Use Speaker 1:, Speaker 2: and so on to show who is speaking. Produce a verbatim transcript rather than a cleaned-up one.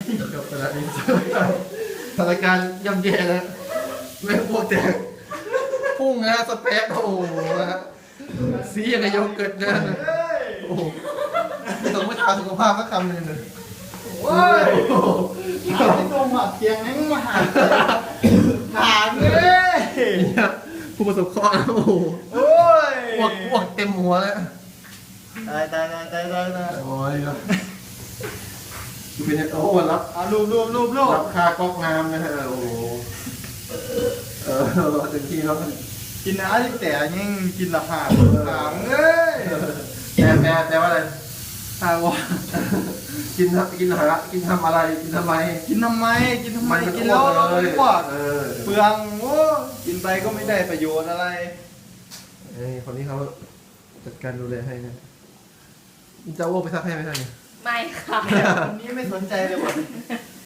Speaker 1: จบไปแล้วนี่สถานการณ์ย่ำแย่แล้วไม่พวกแตกพุ่งนะสเปซโอ้โหสีอย่างกับโยเกิร์ตนะโอ้โหไม่ต้องไม่ทาสุขภาพสักคำหนึ่งเลย
Speaker 2: โอ้ยไม่ตรงหัดเทียงนั่งมาหาหาเลย
Speaker 1: ผู้ประสบเคราะห์โอ้โห
Speaker 2: โอ้ย
Speaker 1: อ้วกอ้วกเต็มหัวแล้ว
Speaker 2: ตายตายตายตายตายตาย
Speaker 1: โอ้ยครับเป็นโอ้โหรับ
Speaker 2: เอารูปรูปรูปรูป
Speaker 1: รับค่าก๊อกน้ำนะฮะโอ้โหเออเต็มที่แล้ว
Speaker 2: กินน้ำที่แต่ยังกินละหาหางเลย
Speaker 1: แต่แต่แต่ว่าอะไร
Speaker 2: หางวะ
Speaker 1: กินกินหากินทำอะไรกินทำไม
Speaker 2: กินทำไมกินทำไม
Speaker 1: มัน
Speaker 2: กินแล้วเรา
Speaker 1: อ้
Speaker 2: ไม่
Speaker 1: ว
Speaker 2: อ้วก
Speaker 1: เออ
Speaker 2: เปลืองโอ้กินไปก็ไม่ได้ประโยชน์อะไร
Speaker 1: ไอ้คนนี้เขาจัดการดูแลให้นะจะอ้วกไปซักให้ไหมท่านเนี่ย
Speaker 3: ไม่ค่ะ
Speaker 2: คนนี้ไม่สนใจเลยว่ะ